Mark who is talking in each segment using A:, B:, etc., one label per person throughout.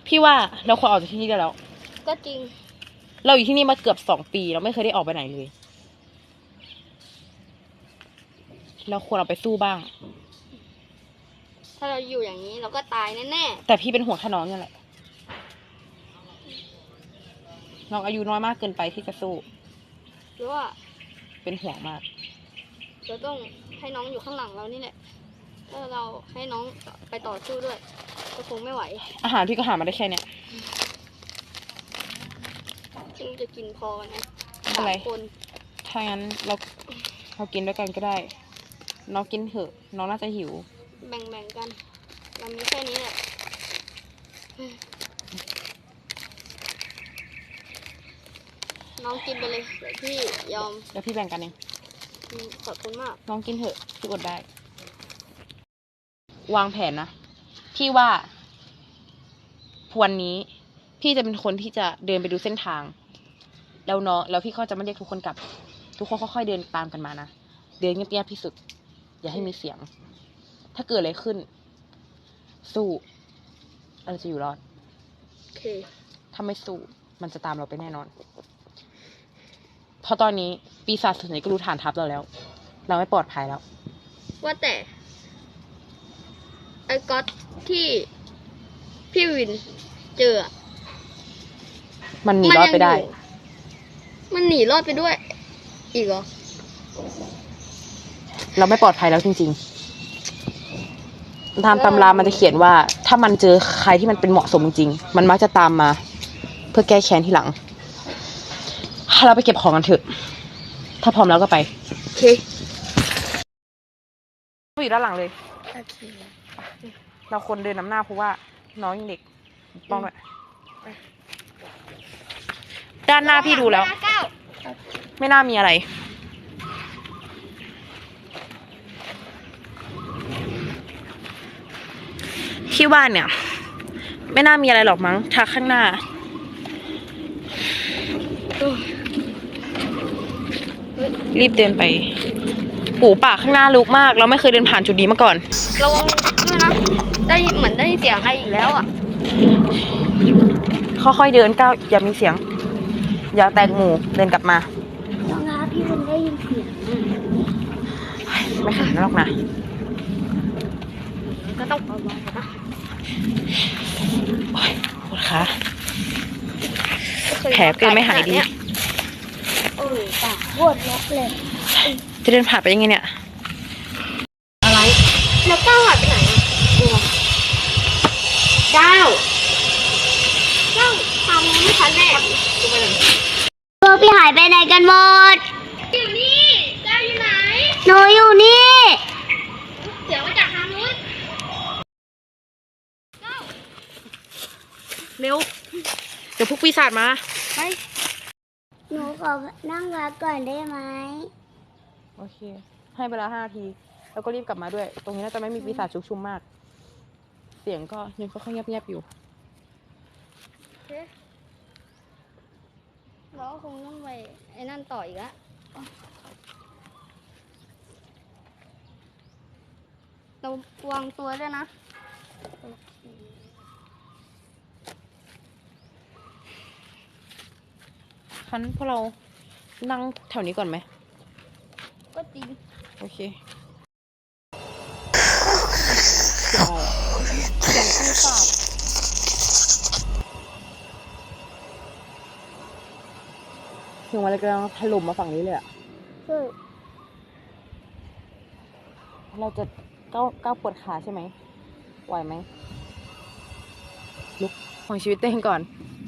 A: พี่ว่าเราควรออกจากที่นี่ได้แล้ว
B: ก็จริง
A: เราอยู่ที่นี่มาเกือบ2 ปีเราไม่เคยได้ออกไปไหนเลยเราควรเอาไปสู้บ้าง
B: ถ้าเราอยู่อย่างนี้เราก็ตายแน่
A: ๆแต่พี่เป็นห่วงแค่น้องนี่แหละน้องอายุน้อยมากเกินไปที่จะสู้
B: หรือว่า
A: เป็นห่วงมาก
B: เราต้องให้น้องอยู่ข้างหลังเรานี่แหละถ้าเราให้น้องไปต่อสู้ด้วยก็คงไม่ไหว
A: อาหารพี่ก็หามาได้แค่เนี้ย
B: ซึ่งจะกินพอนะ
A: อะไร
B: คน
A: ถ้างั้นเรากินด้วยกันก็ได้น้องกินเถอะน้องน่าจะหิว
B: แบ่งกันเรามีแค่นี้แหละน้องกินไปเลยเดี๋ยวพี่ยอม
A: เดี๋ยวพี่แบ่งกันเอง
B: ขอบคุณมาก
A: น้องกินเถอะพี่อดได้วางแผนนะพี่ว่าวันนี้พี่จะเป็นคนที่จะเดินไปดูเส้นทางแล้วพี่ก็จะไม่เรียกทุกคนกลับทุกคนค่อยๆเดินตามกันมานะเดินเงียบๆที่สุดอย่าให้มีเสียงถ้าเกิดอะไรขึ้นสู้เราจะอยู่รอด
B: โอเค
A: ถ้าไม่สู้มันจะตามเราไปแน่นอนเพราะตอนนี้ปีศาจส่วนใหญ่ก็รู้ฐานทัพเราแล้วเราไม่ปลอดภัยแล้ว
B: ว่าแต่ไอ้ก๊อตที่พี่วินเจอ
A: มันหนีรอดไปได้
B: มันหนีรอดไปด้วยอีกเหรอ
A: เราไม่ปลอดภัยแล้วจริงๆตามตำรามันจะเขียนว่าถ้ามันเจอใครที่มันเป็นเหมาะสมจริงมันมักจะตามมาเพื่อแก้แค้นทีหลังเราไปเก็บของกันเถอะถ้าพร้อมแล้วก็ไป
B: โอเค
A: อยู่ด้านหลังเลย
B: โอเค
A: เราคนเดินนำหน้าเพราะว่าน้องยังเด็กป้องด้วยด้านหน้าพี่ดูแล้วไม่น่ามีอะไรพี่ว่าเนี่ยไม่น่ามีอะไรหรอกมั้งทางข้างหน้ารีบเดินไปหูป่าข้างหน้าลุกมากเราไม่เคยเดินผ่านจุดนี้มาก่อน
B: ระวังด้วยนะได้เหมือนได้เสียงอะไรอีกแล้วอ่ะ
A: ค่อยๆเดินก้าวอย่ามีเสียงอย่าแตกหมู่เดินกลับมา
B: น้องนะพี่มันได้ยินเสียง
A: ไม่ขนาดนั้นหรอกนะ
B: ก็ต้องเบาๆนะ
A: โอ๊ยปวดขาแผลเกินไม่หายดี
B: โอ้ยตาปวดล็อกเลย
A: จะเดินผ่านไปยังไงเนี่ย
B: อะไรแล้วก้าวหายไปไหนก้าวทำไม่ทันแน่พวกพี่หายไปไหนกันหมดอยู่นี่ก้าวอยู่ไหนหนูอยู่นี่เสียงมาจากทางนู้น
A: เร็วเดี๋ยวพวกปีศาจมา
B: ไปหนูขอนั่งพักก่อนได้ไหม
A: โอเคให้เวลา5 นาทีแล้วก็รีบกลับมาด้วยตรงนี้น่าจะไม่มีปีศาจชุกชุมมากเสียงก็ยังค่อยๆเงียบๆอยู่
B: เราคงต้องไปไอ้นั่นต่ออีกแล้วเราวางตัวด้วยนะ
A: คันพวกเรานั่งแถวนี้ก่อนไหม
B: ก็จริง
A: โอเค
B: เสียงปีศาจ
A: เสียงอะไรกำลังถล่มมาฝั่งนี้เลยอ่ะเราจะก้าวปวดขาใช่ไหมไหวไหมลุกของชีวิตตัวเองก่อน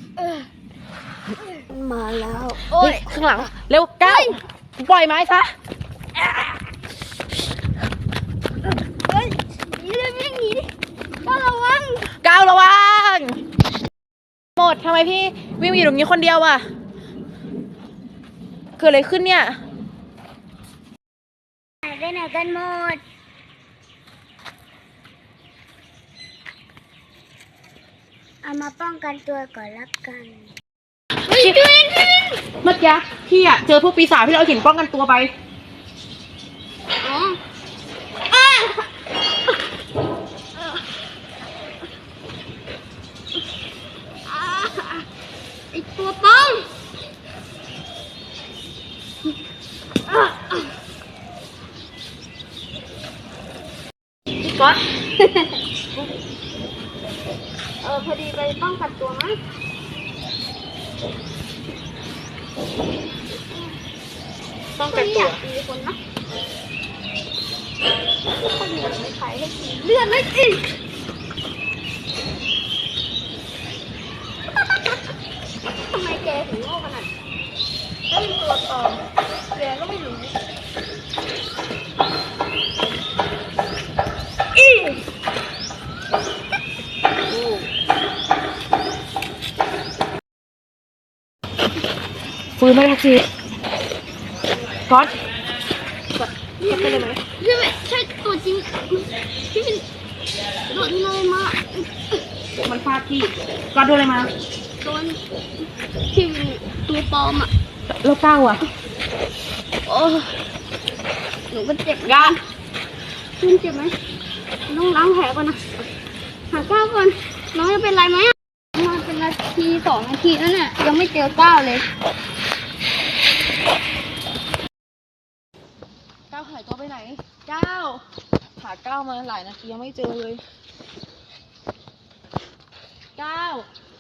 B: มาแล้ว
A: โอ้ยข้างหลังเร็วก้าวปล่อยไม้ซะ
B: เฮ้ยนี่เลยไม่หนีก้าวระวัง
A: หมดทำไมพี่วิ่งอยู่ตรงนี้คนเดียวอ่ะเกิดอะไรขึ้นเนี่ย
B: หายไปไหนกันหมดเอามาป้องกันตัวก่อนละกัน
A: เมื่อกี้พี่อะเจอพวกปีศาจที่เราเห็นป้องกันตัวไป
B: ก๊อต พอดีไปป้องกันตัวมั้งป้องกันตัวตีคนนะคนเหลือไม่ขายให้กินเลือดเลยสิทำไมแกถึงโง่ขนาดถ้าเป็นตัวปลอมแกก็ไม่รู้
A: ปืนไม่ได้สิก๊อต
B: นี่เป็นอะไรใช่ไหมใช่ตัวจริงที่เป็นโดนเลยมา
A: มันฟาดพี่ก๊อตโดนอะไรมา
B: โดนที่เป็นตัวปลอมอ่ะ
A: แล้วก้าวอ่ะ
B: โอ้หนูก็เจ็บกันคุณเจ็บไหมต้องล้างแผลก่อนนะหาก้าวก่อนน้องจะเป็นไรไหมอ่ะมาเป็นนาที2 นาทีแล้วเนี่ยยังไม่เจอก้าวเลย
A: ก้าวหายตัวไปไหนก้าวหาก้าวมาหลายนาทียังไม่เจอเลยก้าว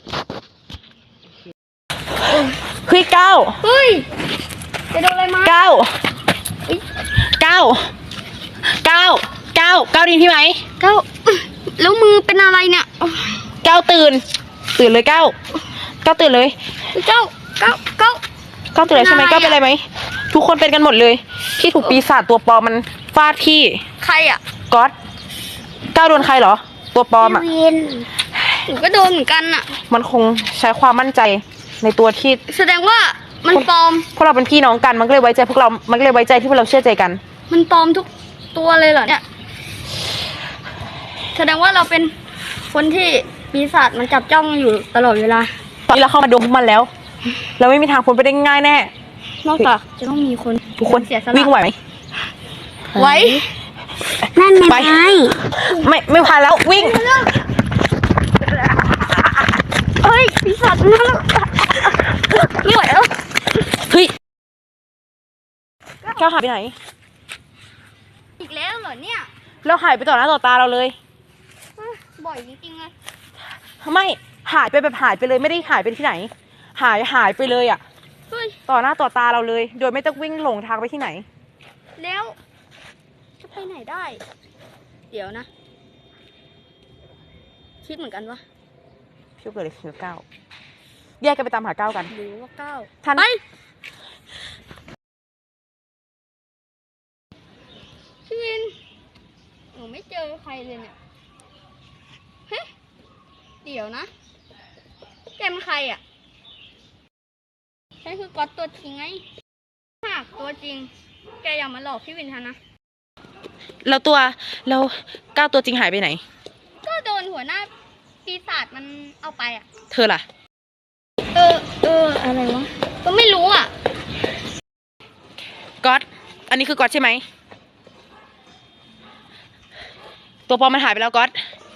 A: เฮ้ยก้าว
B: เฮ้ยจะโดนอะไรมา
A: ก้าวก้าวก้าวก้าวก้าวดินพี่ไหม
B: ก้าวแล้วมือเป็นอะไรเนี่ย
A: ก้าวตื่นเลยก้าวก้าวตื่นเลย
B: ก้าว
A: ก้าวตื่นเลยใช่ไหมก้าวเป็นอะไรไหมทุกคนเป็นกันหมดเลยที่ถูกปีศาจตัวปลอมมันฟาดพี่
B: ใครอ่ะ
A: ก๊อตก้าวโดนใครเหรอตัวปลอมอ่ะ
B: หนูก็โดนเหมือนกันอ่ะ
A: มันคงใช้ความมั่นใจในตัวที่
B: แสดงว่ามันปลอม
A: พวกเราเป็นพี่น้องกันมันก็เลยไว้ใจพวกเรามันก็เลยไว้ใจที่พวกเราเชื่อใจกัน
B: มันปลอมทุกตัวเลยเหรอเนี่ยแสดงว่าเราเป็นคนที่ปีศาจมันจับจ้องอยู่ตลอดเวลา
A: ตอนนี้เราเข้ามาดวงพวกมันแล้วเราไม่มีทางพ้นไปได้ง่ายแน่
B: นอกจากจะต้องมีคน
A: ทุกคน
B: เสียสละ
A: วิ่งไหวไหม
B: ไว้นั่น
A: ไปไม่พาแล้ววิ่ง
B: เฮ้ยปีศาจนั่นไม่ไหวแล้ว
A: เฮ้ยก้าวหายไปไหน
B: อีกแล้วเหรอเนี่ย
A: เราหายไปต่อหน้าต่อตาเราเลย
B: บ่อยจริงๆเลย
A: ไม่หายไปแบบหายไปเลยไม่ได้หายไปที่ไหน หายไปเลยอ่ะ
B: เฮ้ย
A: ต่อหน้าต่อตาเราเลย โดยไม่ต้องวิ่งหลงทางไปที่ไหน
B: แล้วจะไปไหนได้ เดี๋ยวนะคิดเหมือนกันวะ
A: พี่เกิดอะไรขึ้นกับก้าวแยกกันไปตามหาก้าวกัน
B: หรือว่าก้าว
A: ทัน
B: ไปพี่วินหนูไม่เจอใครเลยเนี่ยเฮ้ยเดี๋ยวนะแกเป็นใครอ่ะฉันคือก๊อตตัวจริงไงหากตัวจริงแกอย่ามาหลอกพี่วินทันนะ
A: แล้วก้าวตัวจริงหายไปไหน
B: ก็โดนหัวหน้าปีศาจมันเอาไปอ่ะ
A: เธอล่ะ
B: อะไรวะก็ไม่รู้อ่ะ
A: ก๊อตอันนี้คือก๊อตใช่ไหมตัวปลอมมันหายไปแล้วก๊อต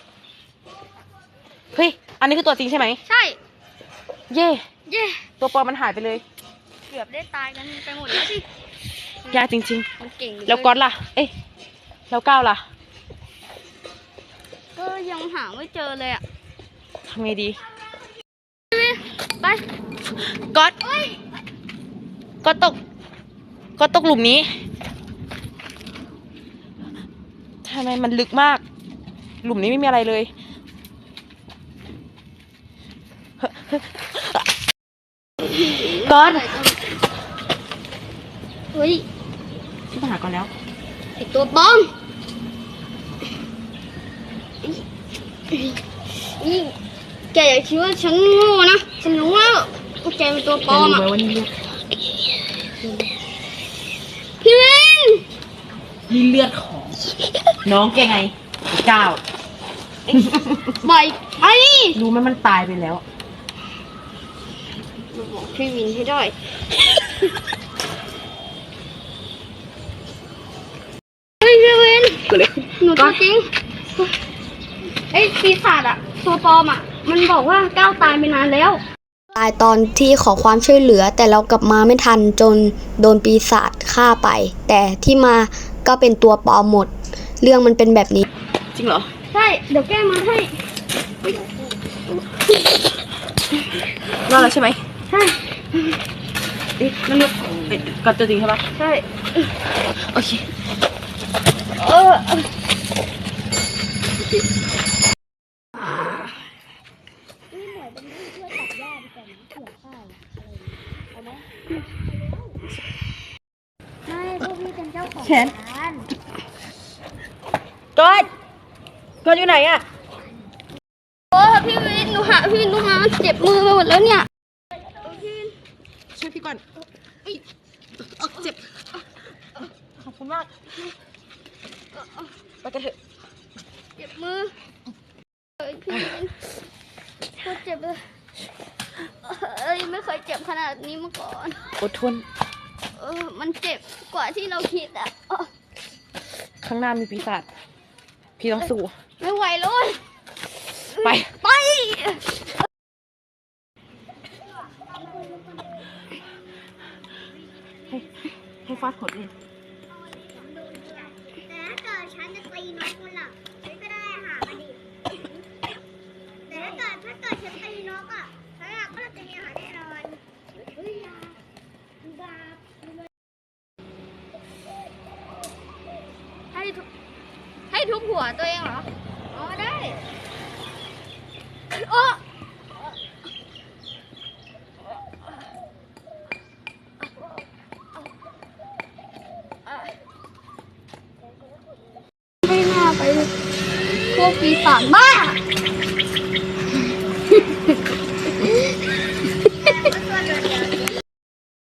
A: เฮ้ยอันนี้คือตัวจริงใช่ไหม
B: ใช่
A: เย่
B: เย่
A: ตัวปลอมมันหายไปเลย
B: เกือบได้ตายกันไปหมดแล้วสิ
A: ยากจริง
B: มันเก่งอยู่
A: ๆ แล้วก๊อตล่ะเอ้ยแล้วก้าวล่ะ
B: ก็ยังหาไม่เจอเลยอ่ะ
A: ทำไงดี
B: ไป
A: ก๊อตก๊อตตกหลุมนี้ทำไมมันลึกมาก หลุมนี้ไม่มีอะไรเลยก๊อต
B: เฮ้ย
A: พี่มาหาก่อนแล้ว
B: ไอตัวปลอมนี่แกอย่าคิดว่าฉันโง่นะ ฉันรู้ว่าแกเป็นตัวปลอมอ่ะ
A: วันนี้
B: พี่วิน
A: นี่เลือดของน้องแกไงก้าว
B: ปล่อยไป
A: รู้ไหมมันตายไปแล้ว
B: บอกพี่วินให้ได้เฮ้ยพี่วิน
A: ก็เลย
B: หนูตัวจริงไอ้ปีศาจอะตัวปลอมอะมันบอกว่าก้าวตายไปนานแล้ว
C: ตายตอนที่ขอความช่วยเหลือแต่เรากลับมาไม่ทันจนโดนปีศาจฆ่าไป แต่ที่มาก็เป็นตัวปลอมหมด เรื่องมันเป็นแบบนี้
A: จริงเหรอ
B: ใช่ เดี๋ยวแก้มาให้
A: รอดแล้วใช่ไหม
B: ใช่
A: นั่นลูกกัดตัวจริงใช่ปะ
B: ใช่
A: โอเค
B: เออไม่พวกพี่เป็นเจ้าของร้าน
A: กดอยู่ไหนอะ
B: โอ้พี่วินหนูหาพี่ลูกมาเจ็บมือไปหมดแล้วเนี่ย
A: ช่วยพี่ก่อนเจ็บ ขอบคุณมาก ไปกันเถอะ
B: เจ็บมือพี่วินโคตรเจ็บเลยไม่เคยเจ็บขนาดนี้มาก่อน
A: อดทน
B: มันเจ็บกว่าที่เราคิดอ่ะ
A: ข้างหน้ามีปีศาจ พี่ต้องสู้
B: ไม่ไหวเลย
A: ไป
B: ไป
A: ให้ฟาดขนเลย
B: แต่ถ้าเกิดฉันจะตีนกมันล่ะฉันก็ได้อาหารมาดิแต่ถ้าเกิดฉันตีนกอ่ะฉันก็จะมีอาหารแน่นอนเฮ้ยยาให้ทุบหัวตัวเองเหรอ อ๋อได้โอ้ไม่น่าไปพวกปีศาจบ้า